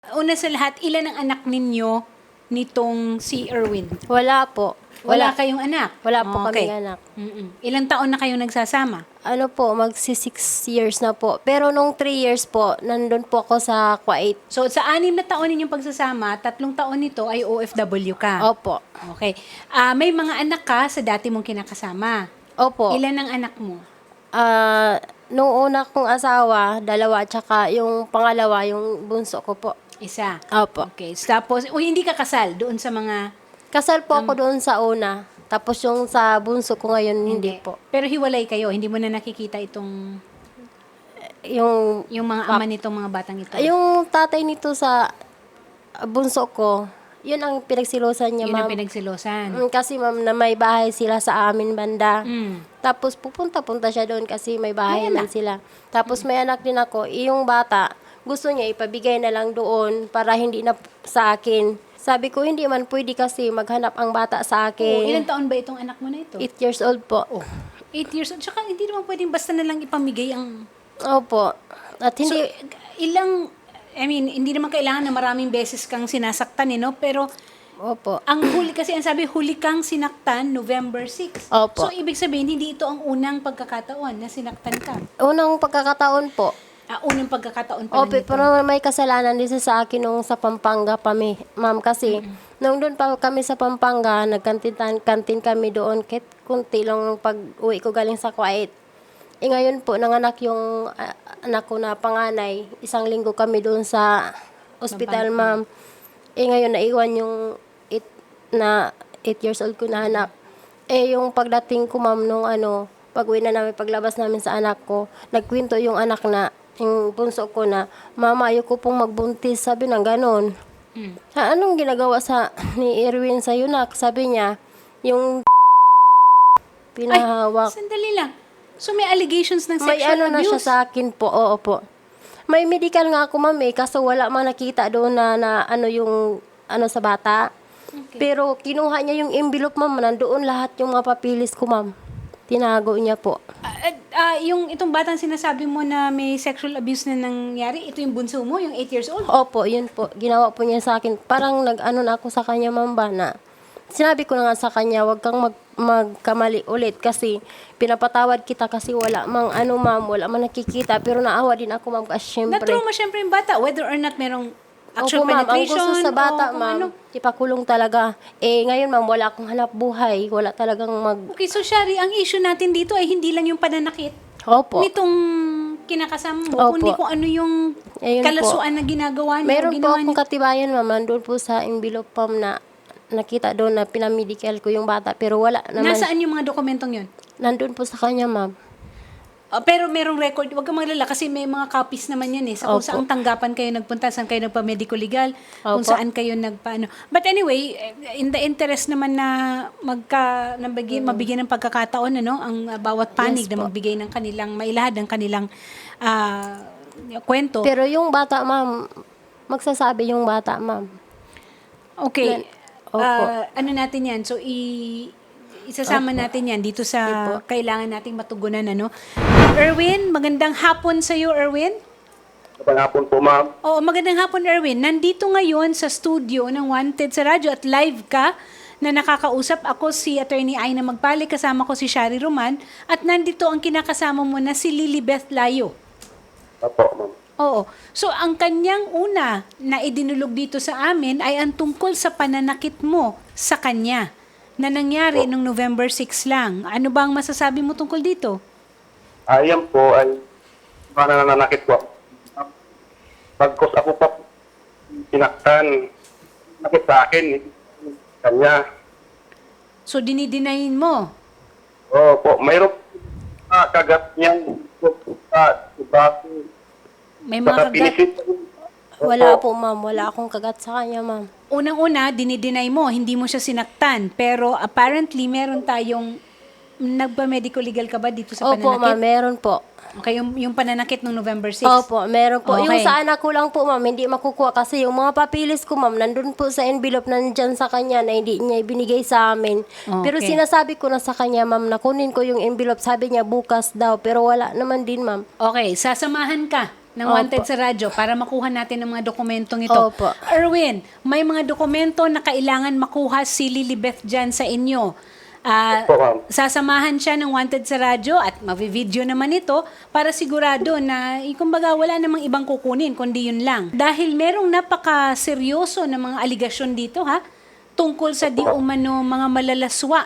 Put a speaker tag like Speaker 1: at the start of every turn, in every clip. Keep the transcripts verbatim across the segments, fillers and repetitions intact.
Speaker 1: Una sa lahat, ilan ang anak ninyo nitong si Erwin?
Speaker 2: Wala po.
Speaker 1: Wala,
Speaker 2: Wala,
Speaker 1: kayong anak?
Speaker 2: wala po
Speaker 1: Okay.
Speaker 2: kaming anak.
Speaker 1: Mm-mm. Ilang taon na kayong nagsasama?
Speaker 2: Ano po, magsi six years na po. Pero nung three years po, nandun po ako sa Kuwait.
Speaker 1: So, sa anim na taon ninyong pagsasama, tatlong taon nito ay O F W ka.
Speaker 2: Opo.
Speaker 1: Okay. Ah, may mga anak ka sa dati mong kinakasama.
Speaker 2: Opo.
Speaker 1: Ilan ang anak mo?
Speaker 2: Ah, nung una kong asawa, dalawa, tsaka yung pangalawa, yung bunso ko po.
Speaker 1: Isa.
Speaker 2: Opo.
Speaker 1: Okay. Tapos, o hindi ka kasal doon sa mga...
Speaker 2: Kasal po ako doon sa una. Tapos yung sa bunso ko ngayon, hindi po.
Speaker 1: Pero hiwalay kayo. Hindi mo na nakikita itong...
Speaker 2: Yung,
Speaker 1: Yung mga ama nitong mga batang ito.
Speaker 2: yung tatay nito sa bunso ko, yun ang pinagsilosan niya,
Speaker 1: Yun ang
Speaker 2: ma'am.
Speaker 1: pinagsilosan.
Speaker 2: Mm, kasi ma'am, na may bahay sila sa amin banda.
Speaker 1: Mm.
Speaker 2: Tapos pupunta-punta siya doon kasi may bahay
Speaker 1: May
Speaker 2: man sila. Tapos may anak din ako. Eh, yung bata, gusto niya ipabigay na lang doon para hindi na sa akin. Sabi ko, hindi man pwede kasi maghanap ang bata sa
Speaker 1: Oo, ilang
Speaker 2: akin.
Speaker 1: taon ba itong anak mo na ito?
Speaker 2: Eight years old po.
Speaker 1: Oh, eight years old. Tsaka hindi naman pwedeng basta na lang ipamigay ang...
Speaker 2: Opo. At
Speaker 1: So,
Speaker 2: hindi,
Speaker 1: ilang... I mean, hindi naman kailangan na maraming beses kang sinasaktan, eh, no? Pero
Speaker 2: opo.
Speaker 1: ang huli, kasi ang sabi, huli kang sinaktan November sixth.
Speaker 2: Opo.
Speaker 1: So, ibig sabihin, hindi ito ang unang pagkakataon na sinaktan ka.
Speaker 2: Unang pagkakataon po.
Speaker 1: Ah, unang pagkakataon pa
Speaker 2: Opo,
Speaker 1: lang ito.
Speaker 2: pero may kasalanan din siya sa akin nung sa Pampanga pa, mi- ma'am. Kasi, nung doon pa kami sa Pampanga, nagkantin kantin kami doon, kahit kunti lang nung pag-uwi ko galing sa Kuwait. Eh ngayon po, nanganak yung ah, anak ko na panganay. Isang linggo kami doon sa ospital, ma'am. Eh ngayon, naiwan yung eight, na eight years old ko na anak. Eh yung pagdating ko, ma'am, nung ano, pag-uwi na namin, paglabas namin sa anak ko, nagkwento yung anak na, yung bunso ko na, mama, ayoko pong magbuntis. Sabi na ganon.
Speaker 1: Mm.
Speaker 2: Ha, anong ginagawa sa ni Erwin sa yunak? Sabi niya, yung pinahawak.
Speaker 1: Sandali lang. So, may allegations ng
Speaker 2: May
Speaker 1: sexual
Speaker 2: ano na siya
Speaker 1: abuse?
Speaker 2: sa akin po, oo po. May medical nga ako, ma'am, eh, kaso wala man nakita doon na, na ano yung, ano sa bata.
Speaker 1: Okay.
Speaker 2: Pero kinuha niya yung envelope, ma'am, nandoon lahat yung mga papilis ko, ma'am. Tinago niya po.
Speaker 1: Ah, ah, yung itong batang sinasabi mo na may sexual abuse na nangyari, ito yung bunso mo, yung eight years old?
Speaker 2: Opo, yun po. Ginawa po niya sa akin. Parang nag-ano na ako sa kanya, ma'am, ba, na sinabi ko na nga sa kanya, wag kang mag, magkamali ulit kasi pinapatawad kita kasi wala mang ano, ma'am, wala man nakikita. Pero naawa din ako, ma'am, kasi syempre.
Speaker 1: Na-trauma syempre yung bata, whether or not merong actual
Speaker 2: Opo, ma'am, ang
Speaker 1: penetration.
Speaker 2: gusto sa bata,
Speaker 1: o kung
Speaker 2: ma'am,
Speaker 1: ano.
Speaker 2: ipakulong talaga. Eh, ngayon, ma'am, wala akong hanap buhay. Wala talagang mag...
Speaker 1: Okay, so Shari, ang issue natin dito ay hindi lang yung pananakit
Speaker 2: Opo.
Speaker 1: nitong kinakasama mo,
Speaker 2: Opo.
Speaker 1: kundi kung ano yung
Speaker 2: Ayun po.
Speaker 1: kalasuan na ginagawa niya.
Speaker 2: Meron po
Speaker 1: ginawa
Speaker 2: akong
Speaker 1: niya.
Speaker 2: katibayan, ma'am, nandun po sa envelope, ma'am, na nakita doon na pinamedical ko yung bata. Pero wala naman.
Speaker 1: Nasaan yung mga dokumentong yun?
Speaker 2: Nandun po sa kanya, ma'am.
Speaker 1: Ah, pero merong record, huwag kang maglala kasi may mga copies naman yan eh. Sa kung
Speaker 2: Opo.
Speaker 1: saan tanggapan kayo nagpunta, saan kayo nagpa-medico legal, kung
Speaker 2: Opo.
Speaker 1: saan kayo nagpaano. But anyway, in the interest naman na magka, nabigyan, mabigyan ng pagkakataon, ano, ang uh, bawat panig
Speaker 2: Yes
Speaker 1: na
Speaker 2: po.
Speaker 1: magbigay ng kanilang, mailahad ng kanilang ah, kwento.
Speaker 2: Pero yung bata, ma'am, magsasabi yung bata, ma'am.
Speaker 1: Okay.
Speaker 2: Opo.
Speaker 1: Ah, ano natin yan? So, i- isasama natin yan dito sa kailangan nating matugunan, ano. Erwin, magandang hapon sa iyo, Erwin.
Speaker 3: Magandang hapon po, ma'am.
Speaker 1: Oo, magandang hapon, Erwin. Nandito ngayon sa studio ng Wanted sa radyo at live ka na nakakausap. Ako si Attorney Aina Magpali, kasama ko si Shari Roman at nandito ang kinakasama mo na si Lilibeth Layo.
Speaker 3: Opo, ma'am.
Speaker 1: Oo. So, ang kanyang una na idinulog dito sa amin ay ang tungkol sa pananakit mo sa kanya na nangyari nung November sixth lang. Ano ba ang masasabi mo tungkol dito?
Speaker 3: Ayan po ay mga nananakit ko. Pagkos ako pa pinaktan, nakit sa akin, kanya.
Speaker 1: So, dinidinayin mo.
Speaker 3: Opo, mayroon uh, kagat niyang sa iba.
Speaker 1: May mga
Speaker 3: Saka
Speaker 1: kagat.
Speaker 3: pinisit.
Speaker 2: Wala po, ma'am. Wala akong kagat sa kanya, ma'am.
Speaker 1: Unang-una, dinideny mo, hindi mo siya sinaktan. Pero apparently, meron tayong, nagpa-medical legal ka ba dito sa
Speaker 2: Opo, ma'am.
Speaker 1: pananakit?
Speaker 2: Meron po.
Speaker 1: Okay, yung, yung pananakit ng November sixth.
Speaker 2: Opo, meron po. Yung
Speaker 1: Okay.
Speaker 2: sa anak ko lang po, ma'am, hindi makukuha kasi yung mga papilis ko, ma'am, nandun po sa envelope nandyan sa kanya na hindi niya ibinigay sa amin. Pero
Speaker 1: Okay.
Speaker 2: sinasabi ko na sa kanya, ma'am, na kunin ko yung envelope. Sabi niya bukas daw, pero wala naman din, ma'am.
Speaker 1: Okay, sasamahan ka ng
Speaker 2: Opo.
Speaker 1: wanted sa radyo para makuha natin ang mga dokumentong ito.
Speaker 2: Opo.
Speaker 1: Erwin, may mga dokumento na kailangan makuha si Lilibeth dyan sa inyo. Ah,
Speaker 3: Opo, ma'am.
Speaker 1: sasamahan siya ng wanted sa radyo at mavi-video naman ito para sigurado na, eh, kumbaga, wala namang ibang kukunin, kundi yun lang. Dahil merong napaka-seryoso na mga aligasyon dito, ha? Tungkol sa di umano mga malalaswa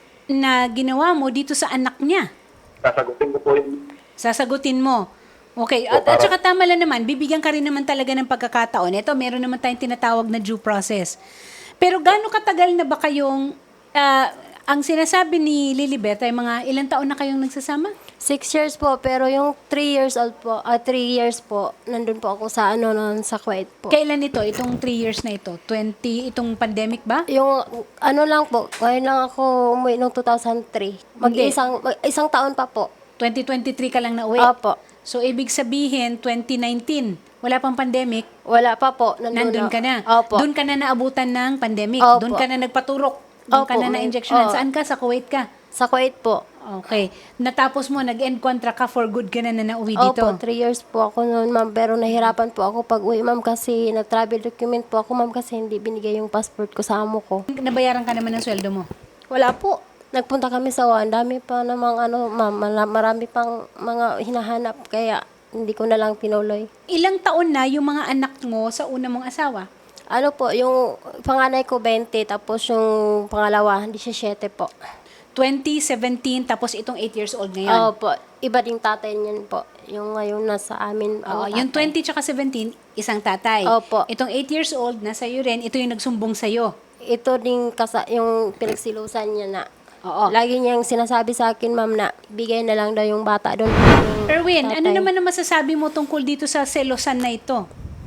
Speaker 1: na ginawa mo dito sa anak niya.
Speaker 3: Sasagutin ko po yung
Speaker 1: Sasagutin mo. Okay, at, at saka tama lang naman, bibigyan ka rin naman talaga ng pagkakataon. Ito, meron naman tayong tinatawag na due process. Pero gaano katagal na ba kayong, ah, ang sinasabi ni Lilibeth ay mga ilang taon na kayong nagsasama?
Speaker 2: Six years po, pero yung three years old po, ah, three years po, nandun po ako sa ano, nun, sa Kuwait po.
Speaker 1: Kailan ito, itong three years na ito? twenty, itong pandemic ba?
Speaker 2: Yung ano lang po, ngayon lang ako umuwi noong two thousand three. Mag
Speaker 1: Hindi.
Speaker 2: isang, mag isang taon pa po.
Speaker 1: twenty twenty-three ka lang na uwi?
Speaker 2: Opo.
Speaker 1: So, ibig sabihin, twenty nineteen, wala pang pandemic,
Speaker 2: Wala pa po. Nandun,
Speaker 1: nandun ka na.
Speaker 2: Opo.
Speaker 1: Doon ka na naabutan ng pandemic.
Speaker 2: Opo.
Speaker 1: Doon ka na nagpaturok. Doon ka
Speaker 2: Opo,
Speaker 1: na
Speaker 2: may-
Speaker 1: na-injectionan.
Speaker 2: oo.
Speaker 1: Saan ka? Sa Kuwait ka?
Speaker 2: Sa Kuwait po.
Speaker 1: Okay. Natapos mo, nag-end contract ka for good ka na na nauwi dito.
Speaker 2: Opo, three years po ako noon, ma'am. Pero nahirapan po ako pag uwi, ma'am, kasi nag-travel document po ako, ma'am, kasi hindi binigay yung passport ko sa amo ko.
Speaker 1: Nabayaran ka naman ng sweldo mo.
Speaker 2: Wala po. Nagpunta kami sa Wa. Ang dami pa namang ano, ma'am. mala- Marami pang mga hinahanap. Kaya hindi ko na lang pinuloy.
Speaker 1: Ilang taon na yung mga anak mo sa una mong asawa?
Speaker 2: Ano po, yung panganay ko twenty, tapos yung pangalawa, seventeen po.
Speaker 1: twenty seventeen, tapos itong eight years old ngayon.
Speaker 2: Opo, iba ding tatay niyan po. Yung ngayon nasa amin.
Speaker 1: Oo,
Speaker 2: ang
Speaker 1: yung
Speaker 2: tatay.
Speaker 1: twenty tsaka seventeen, isang tatay.
Speaker 2: Opo.
Speaker 1: Itong eight years old, nasa iyo rin, ito yung nagsumbong sa'yo.
Speaker 2: Ito din kasa, yung pinagsilusan niya na.
Speaker 1: Oo.
Speaker 2: Lagi niyang sinasabi sa akin, ma'am, na bigay na lang daw yung bata doon. Yung
Speaker 1: Erwin, ano
Speaker 2: tatay.
Speaker 1: naman ang masasabi mo tungkol dito sa selosan na ito?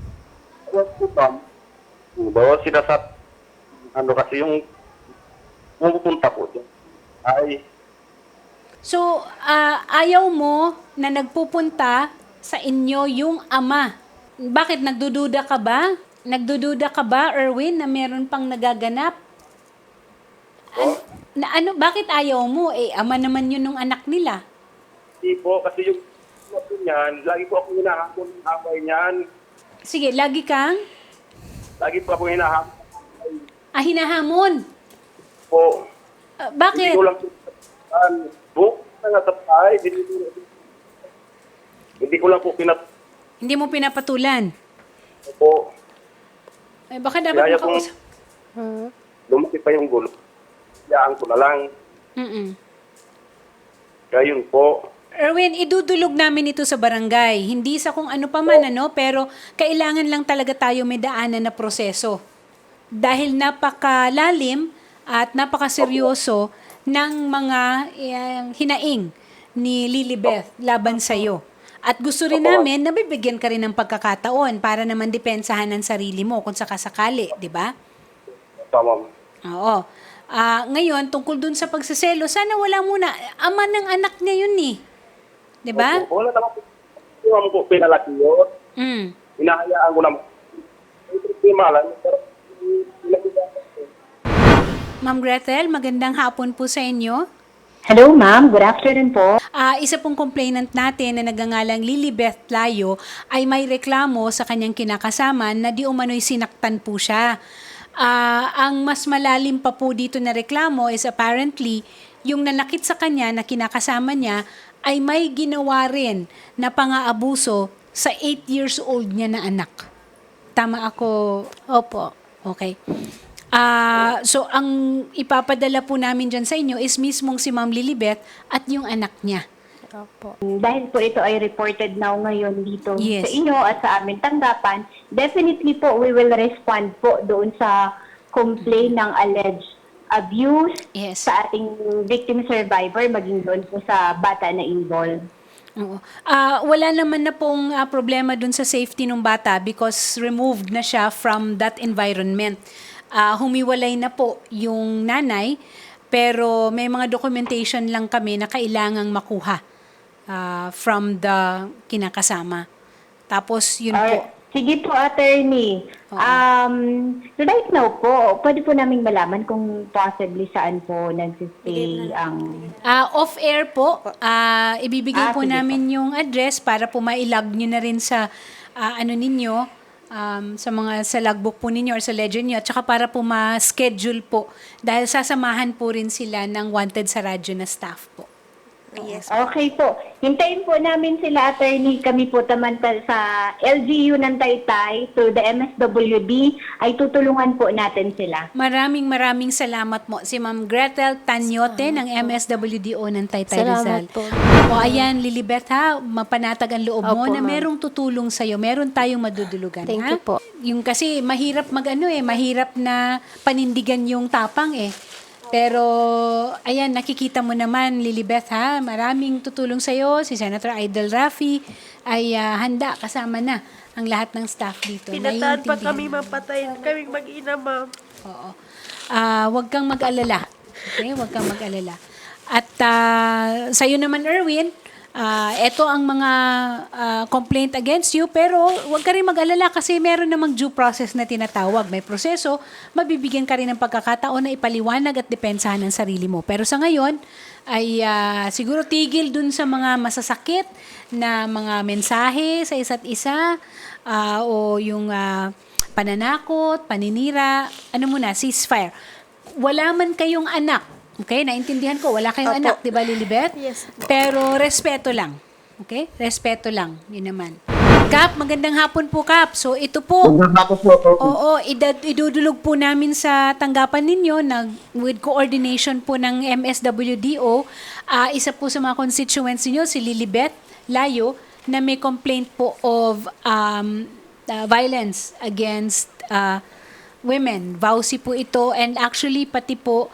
Speaker 3: Ano po, ma'am? Bawa sinasabi, ano kasi yung pupunta po dyan ay
Speaker 1: So, ah, ayaw mo na nagpupunta sa inyo yung ama. Bakit? Nagdududa ka ba? Nagdududa ka ba, Erwin, na meron pang nagaganap? An- na ano, bakit ayaw mo? Eh, ama naman yun ng anak nila.
Speaker 3: hindi po kasi yung ano po niyan, lagi po ako hinahamon ng away niyan.
Speaker 1: Sige, lagi kang
Speaker 3: Lagi po ako hinahamon
Speaker 1: ah, hinahamon.
Speaker 3: po.
Speaker 1: Ah,
Speaker 3: Hindi
Speaker 1: bakit?
Speaker 3: ko lang po book na nga sa bahay. Hindi, ko- hindi ko lang po pinat
Speaker 1: Hindi mo pinapatulan.
Speaker 3: po.
Speaker 1: Eh, baka dapat
Speaker 3: Kaya kung
Speaker 1: makausap.
Speaker 2: Hmm.
Speaker 3: lumaki pa yung gulo, yaan ko na lang.
Speaker 1: Mm-mm.
Speaker 3: Kaya yun po.
Speaker 1: Erwin, idudulog namin ito sa barangay. Hindi sa kung ano pa man, ano, pero kailangan lang talaga tayo may daanan na proseso. Dahil napakalalim at napakaseryoso ng mga eh, hinaing ni Lilibeth laban sa iyo. At gusto rin namin na bibigyan ka rin ng pagkakataon para naman depensahan ang sarili mo kung sakasakali, di ba?
Speaker 3: Tama.
Speaker 1: Oo. Ah, ngayon, tungkol dun sa pagsaselo, sana wala muna. Ama ng anak niya yun eh. Di ba?
Speaker 3: Opo, wala naman po. Hindi naman po pinalaki yun.
Speaker 1: Mm.
Speaker 3: Hinahayaan ko naman. May problema lang. Pero pinag-iwasan ko.
Speaker 1: Ma'am Gretel, magandang hapon po sa inyo.
Speaker 4: Hello, ma'am. Good afternoon po.
Speaker 1: Ah, isa pong complainant natin na nagangalang Lilibeth Layo ay may reklamo sa kanyang kinakasama na di umano'y sinaktan po siya. Ah, ang mas malalim pa po dito na reklamo is apparently yung nanakit sa kanya na kinakasama niya ay may ginawa rin na pang-aabuso sa eight years old niya na anak. Tama ako?
Speaker 2: Opo.
Speaker 1: Okay. Ah, so ang ipapadala po namin dyan sa inyo is mismong si Ma'am Lilibeth at yung anak niya.
Speaker 2: Opo.
Speaker 4: Dahil po ito ay reported now ngayon dito
Speaker 1: Yes.
Speaker 4: sa inyo at sa aming tanggapan, definitely po we will respond po doon sa complaint ng alleged abuse
Speaker 1: Yes.
Speaker 4: sa ating victim survivor, maging doon po sa bata na involved.
Speaker 1: Oo. Ah, wala naman na pong ah, problema dun sa safety ng bata because removed na siya from that environment. Ah, humiwalay na po yung nanay, pero may mga documentation lang kami na kailangang makuha ah, from the kinakasama. Tapos yun po.
Speaker 4: Or, Sige po, attorney. Um, right now po, pwede po naming malaman kung possibly saan po nagsistay ang...
Speaker 1: Ah, off-air po, ah, ibibigay
Speaker 4: Ah,
Speaker 1: po
Speaker 4: sige
Speaker 1: namin yung address para po ma-log nyo na rin sa ah, ano ninyo, um, sa mga sa logbook po ninyo or sa ledger nyo, at saka para po ma-schedule po dahil sasamahan po rin sila ng wanted sa radyo na staff po.
Speaker 5: Yes.
Speaker 4: Okay po. Hintayin po namin sila, attorney. Kami po tamantal sa L G U ng Taytay through the M S W D ay tutulungan po natin sila.
Speaker 1: Maraming maraming salamat mo si Ma'am Gretel Tanyote ng M S W D O ng Taytay Rizal.
Speaker 2: Salamat po.
Speaker 1: O ayan, Lilibet ha, mapanatag ang loob mo
Speaker 2: Opo,
Speaker 1: na
Speaker 2: ma'am.
Speaker 1: merong tutulong sa'yo, meron tayong madudulugan.
Speaker 2: Thank
Speaker 1: ha?
Speaker 2: you po.
Speaker 1: Yung kasi mahirap mag-ano eh, mahirap na panindigan yung tapang eh. Pero, ayan, nakikita mo naman, Lilibet ha, maraming tutulong sa'yo. Si Senator Idol Rafi ay ah, handa, kasama na ang lahat ng staff dito.
Speaker 5: Pinataan pa
Speaker 1: Naiintindihan
Speaker 5: kami
Speaker 1: namin.
Speaker 5: mapatayin kaming mag-ina, ma'am.
Speaker 1: Oo. Ah, wag kang mag-alala. Okay, wag kang mag-alala. At ah, sa'yo naman, Erwin, ah, eto ang mga ah, complaint against you, pero wag ka rin mag-alala kasi meron namang due process na tinatawag. May proseso, mabibigyan ka rin ng pagkakataon na ipaliwanag at depensahan ang sarili mo. Pero sa ngayon, ay ah, siguro tigil dun sa mga masasakit na mga mensahe sa isa't isa ah, o yung ah, pananakot, paninira, ano muna, ceasefire. Wala man kayong anak, okay? Naintindihan ko, wala kayong
Speaker 5: Opo.
Speaker 1: anak, di ba, Lilibet?
Speaker 5: Yes.
Speaker 1: Pero respeto lang, okay? Respeto lang, yun naman. Kap, magandang hapon po, Kap. So, ito po,
Speaker 3: Tapos po,
Speaker 1: oo, idad, idudulog po namin sa tanggapan ninyo nag, with coordination po ng M S W D O. Ah, isa po sa mga constituents niyo si Lilibet Layo, na may complaint po of um, uh, violence against uh, women. Vowsy po ito, and actually pati po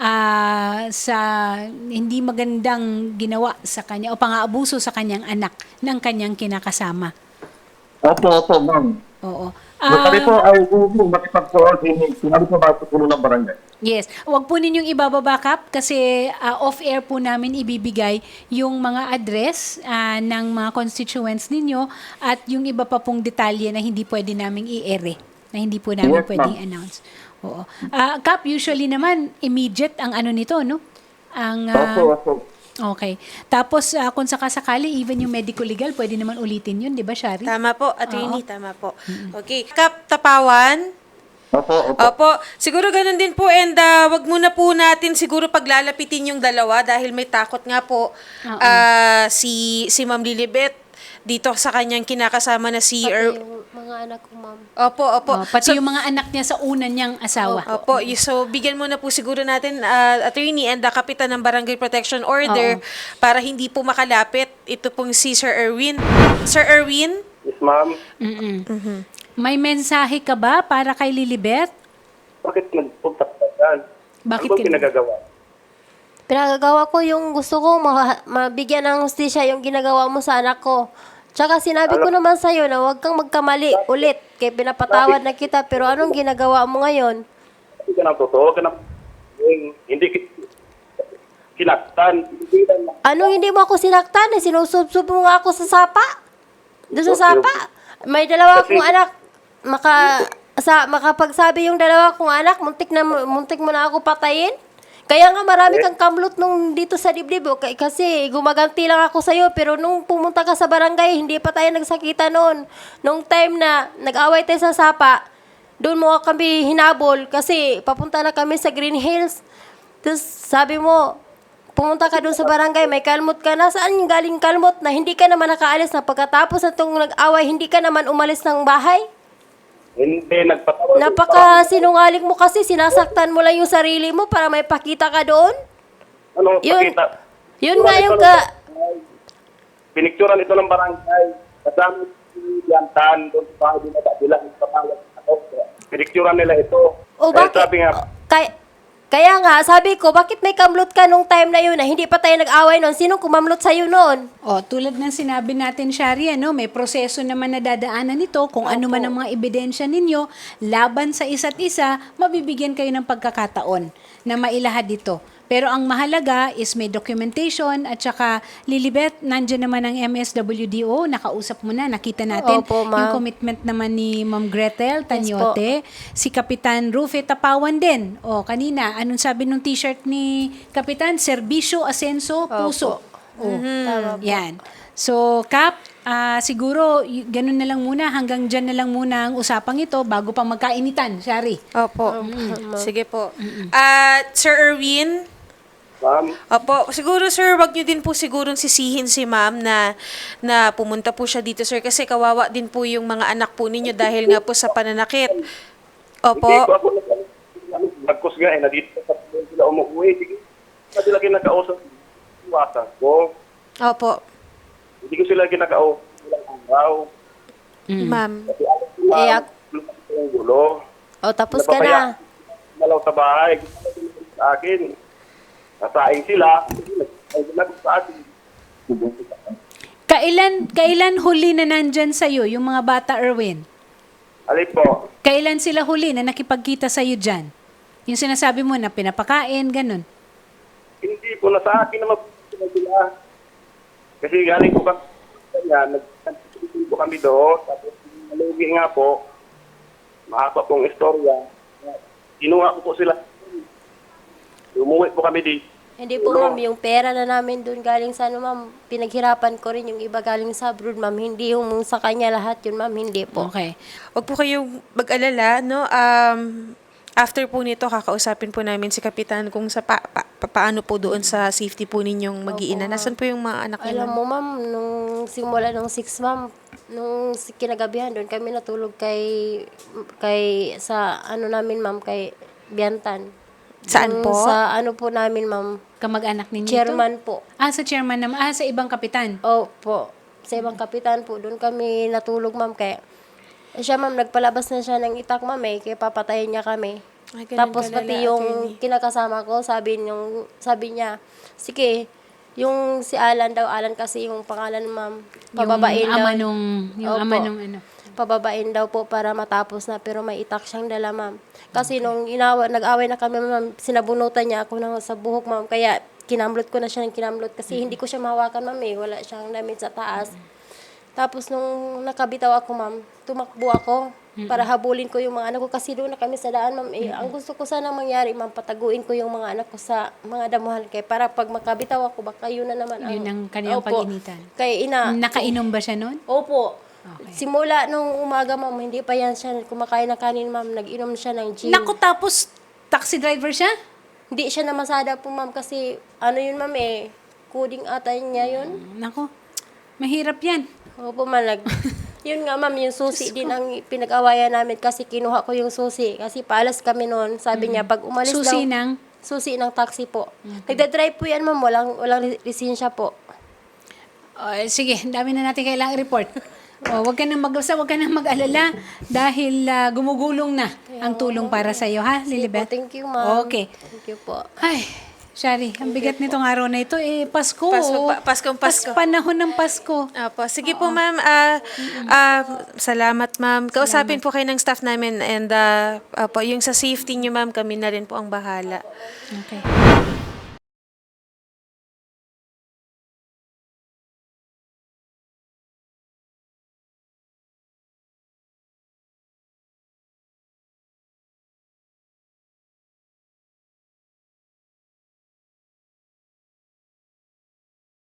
Speaker 1: ah, sa hindi magandang ginawa sa kanya o pang-aabuso sa kanyang anak ng kanyang kinakasama.
Speaker 3: Opo, opo, ma'am.
Speaker 1: Oo.
Speaker 3: Kami
Speaker 1: Ah,
Speaker 3: po ay gusto makipag-coordinate. Kami po makipagpulo ng barangay.
Speaker 1: yes. Huwag po ninyong ibababa, Kap, kasi ah, off-air po namin ibibigay yung mga address ah, ng mga constituents ninyo at yung iba pa pong detalye na hindi pwede naming i-ere, na hindi po namin
Speaker 3: Yes,
Speaker 1: pwedeng
Speaker 3: ma'am.
Speaker 1: announce. Oo. Ah, Kap, usually naman, immediate ang ano nito, no? Ang, ah,
Speaker 3: Opo, opo.
Speaker 1: okay. Tapos, ah, kung sakasakali, even yung medical legal, pwede naman ulitin yun, di ba, Shari?
Speaker 5: Tama po, attorney, tama po. Okay. Kap Tapawan.
Speaker 3: Opo, opo.
Speaker 5: Opo, siguro ganun din po, and ah, wag muna po natin siguro paglalapitin yung dalawa dahil may takot nga po
Speaker 1: Oo.
Speaker 5: ah, si si Ma'am Lilibet dito sa kanyang kinakasama na si
Speaker 2: Pati
Speaker 5: Er-
Speaker 2: yung mga anak ko, ma'am.
Speaker 5: Opo, opo.
Speaker 1: Oh, pati
Speaker 5: So,
Speaker 1: yung mga anak niya sa una niyang asawa.
Speaker 5: Opo, y- so bigyan muna po siguro natin ah, attorney and the kapitan ng Barangay Protection Order
Speaker 1: Oo.
Speaker 5: para hindi po makalapit ito pong si Sir Erwin. Sir Erwin?
Speaker 3: Yes, ma'am.
Speaker 1: Mm-mm. May mensahe ka ba para kay Lilibet?
Speaker 3: Bakit nagpunta ka dyan?
Speaker 1: Bakit
Speaker 3: Ano bang
Speaker 1: kin-
Speaker 3: pinagagawa?
Speaker 2: Pinagagawa ko yung gusto ko, ma- mabigyan ng hustisya yung ginagawa mo sa anak ko. Tsaka sinabi ko naman sa'yo na huwag kang magkamali ulit. Kaya pinapatawad na kita, pero anong ginagawa mo ngayon?
Speaker 3: Hindi ka ng totoo, ka ng... Hindi ki- kinaktan. Hindi ka ng...
Speaker 2: Anong hindi mo ako sinaktan? Eh, sinusubsob mo nga ako sa sapa. Doon sa sapa. May dalawa akong anak. Maka, sa, makapagsabi yung dalawa kong anak, muntik, na, muntik mo na ako patayin. Kaya nga marami kang kamlot nung dito sa dibdib. O, k- kasi gumaganti lang ako sa'yo. Pero nung pumunta ka sa barangay, hindi pa tayo nagsakita noon. Nung time na nag-away tayo sa sapa, doon mo kami hinabol kasi papunta na kami sa Green Hills. Tapos sabi mo, pumunta ka doon sa barangay, may kalmot ka na. Saan yung galing kalmot na hindi ka naman nakaalis na pagkatapos na itong nag-away, hindi ka naman umalis ng bahay?
Speaker 3: Hindi, nagpatawa.
Speaker 2: Napaka sinungaling mo kasi, sinasaktan mo lang yung sarili mo para may pakita ka doon.
Speaker 3: Ano,
Speaker 2: Yun,
Speaker 3: pakita?
Speaker 2: yun
Speaker 3: Pinicturan
Speaker 2: nga yung
Speaker 3: ito
Speaker 2: ka...
Speaker 3: ng barangay. Pinicturan ito ng barangay. Kasama si Yantan, doon sa bahay nila, bilang patawag ako. Pinicturan nila ito.
Speaker 2: O
Speaker 3: Eh,
Speaker 2: bakit?
Speaker 3: sabi nga,
Speaker 2: Kaya, kaya nga, sabi ko, bakit may kamlot ka nung time na yun na hindi pa tayo nag-away noon? Sinong kumamlot sa'yo noon?
Speaker 1: O, tulad ng sinabi natin, Shari, ano, may proseso naman na dadaanan nito. Kung ano man ang mga ebidensya ninyo, laban sa isa't isa, mabibigyan kayo ng pagkakataon na mailahad ito. Pero ang mahalaga is may documentation at saka Lilibet, nandyan naman ang M S W D O, nakausap mo na, nakita natin
Speaker 2: Opo, ma'am.
Speaker 1: yung commitment naman ni Ma'am Gretel Tanyote, si Kapitan Rufe Tapawan din. O kanina, anong sabi nung t-shirt ni Kapitan? Serbisyo, asenso, puso. O,
Speaker 2: Tama po.
Speaker 1: yan. So, Kap, ah, siguro, y- ganun na lang muna, hanggang dyan na lang muna ang usapang ito bago pa magkainitan, Shari.
Speaker 5: Opo. Sige po. At Sir Erwin,
Speaker 3: Ma'am,
Speaker 5: opo, siguro sir, wag niyo din po sigurong sisihin si ma'am na, na pumunta po siya dito sir kasi kawawa din po yung mga anak po ninyo dahil nga po sa pananakit.
Speaker 3: hindi ko
Speaker 5: Opo.
Speaker 3: ako nagkos nga eh, na dito sa sila umuwi. Sige, hindi sila kinakausap. Iwasan ko.
Speaker 5: Opo.
Speaker 3: Hindi ko sila kinakausap. Ilang araw.
Speaker 5: Ma'am.
Speaker 3: Kasi alam ko
Speaker 2: Eh,
Speaker 3: ma'am,
Speaker 2: ak-
Speaker 3: lumaki ko yung gulo.
Speaker 2: O, tapos ka na.
Speaker 3: Malaw sa bahay. Gusto ko sila sa akin. Nasaing sila. Ay, sinagot sa akin.
Speaker 1: Kailan, kailan huli na nandyan sa'yo, yung mga bata, Erwin?
Speaker 3: Alay po.
Speaker 1: Kailan sila huli na nakipagkita sa'yo dyan? Yung sinasabi mo na pinapakain, ganun.
Speaker 3: Hindi po na sa akin naman po sila sila. Kasi galing po kami kanya, nag-nag-nag po kami doon. Tapos nalugi nga po. Mahaba pong istorya. Kinuha ko po sila. Umuwi po kami dito.
Speaker 2: Hindi po, ma'am, yung pera na namin doon galing sa ano, ma'am, pinaghirapan ko rin yung iba galing sa abroad, ma'am. Hindi yung sa kanya lahat yun, ma'am. Hindi po.
Speaker 1: Okay.
Speaker 5: Wag po kayong mag-alala, no? Um, after po nito, kakausapin po namin si Kapitan kung sa pa, pa- pa- paano po doon sa safety po ninyong mag-iina. Nasaan po yung mga anak niyo?
Speaker 2: Alam
Speaker 5: ma'am?
Speaker 2: mo, ma'am, nung simula nung six, ma'am, nung si- kinagabihan doon kami natulog kay, kay, sa ano namin, ma'am, kay Biantan.
Speaker 5: Saan
Speaker 2: Yung
Speaker 5: po?
Speaker 2: Sa ano po namin, ma'am,
Speaker 1: Kamag-anak ninyo ito?
Speaker 2: chairman po.
Speaker 1: Ah, sa chairman naman. Ah, sa ibang kapitan.
Speaker 2: Opo. Sa ibang kapitan po, doon kami natulog, ma'am. Kaya, eh, siya, ma'am, nagpalabas na siya ng itak, ma'am, eh. Kaya papatayin niya kami.
Speaker 5: Ay, ganun
Speaker 2: Tapos
Speaker 5: kalala,
Speaker 2: pati yung
Speaker 5: attorney.
Speaker 2: kinakasama ko, sabi, yung, sabi niya, sige, yung si Alan daw, Alan kasi yung pangalan, ma'am. Pababain
Speaker 1: yung ama
Speaker 2: daw.
Speaker 1: nung, yung
Speaker 2: Opo.
Speaker 1: ama nung ano.
Speaker 2: Pababain daw po para matapos na, pero may itak siyang dala, ma'am. Kasi nung inawa, nag-away na kami, ma'am, sinabunutan niya ako ng, sa buhok, ma'am. Kaya kinamlot ko na siya ng kinamlot kasi hindi ko siya mahawakan, ma'am, eh. Wala siyang damit sa taas. Tapos nung nakabitaw ako, ma'am, tumakbo ako para habulin ko yung mga anak ko kasi doon na kami sa daan, ma'am. Eh, ang gusto ko sana mangyari, ma'am, pataguin ko yung mga anak ko sa mga damuhan kay para pag makabitaw ako, baka yun na naman
Speaker 1: Yun ang kanilang
Speaker 2: Opo.
Speaker 1: pag-initan.
Speaker 2: Kaya ina,
Speaker 1: Nakainom ba siya noon?
Speaker 2: opo. Simula nung umaga, ma'am, hindi pa yan siya kumakain ng kanin, ma'am. Nag-inom siya ng gin.
Speaker 1: Naku, tapos taxi driver siya?
Speaker 2: Hindi siya namasada po, ma'am, kasi ano yun, ma'am, eh. Coding ata niya yun.
Speaker 1: Naku, mahirap yan.
Speaker 2: Opo, man, nag... Yun nga, ma'am, yung susi din ang pinag-awayan namin kasi kinuha ko yung susi. Kasi paalas kami noon. Sabi niya, pag umalis
Speaker 1: Susi
Speaker 2: daw...
Speaker 1: ng?
Speaker 2: Susi ng taxi po. Nagda-drive po yan, ma'am. Walang, walang lisensya po.
Speaker 1: Oh, sige, ang dami na natin kailangang report. Oh, wag ka nang mag-asa, wag ka nang mag-alala dahil ah, gumugulong na ang tulong para sa iyo, ha, Lilibet?
Speaker 2: Thank you, ma'am.
Speaker 1: Okay.
Speaker 2: Thank you po.
Speaker 1: Ay, Shari, ang bigat nitong araw na ito. Eh, Pasko.
Speaker 5: Pasko,
Speaker 1: oh.
Speaker 5: pa- Paskong Pasko.
Speaker 1: Pas- panahon ng Pasko.
Speaker 5: Opo. Sige po, ma'am. Ah, ah, salamat, ma'am. Kausapin po kayo ng staff namin and uh, opo, yung sa safety niyo, ma'am, kami na rin po ang bahala.
Speaker 1: Okay.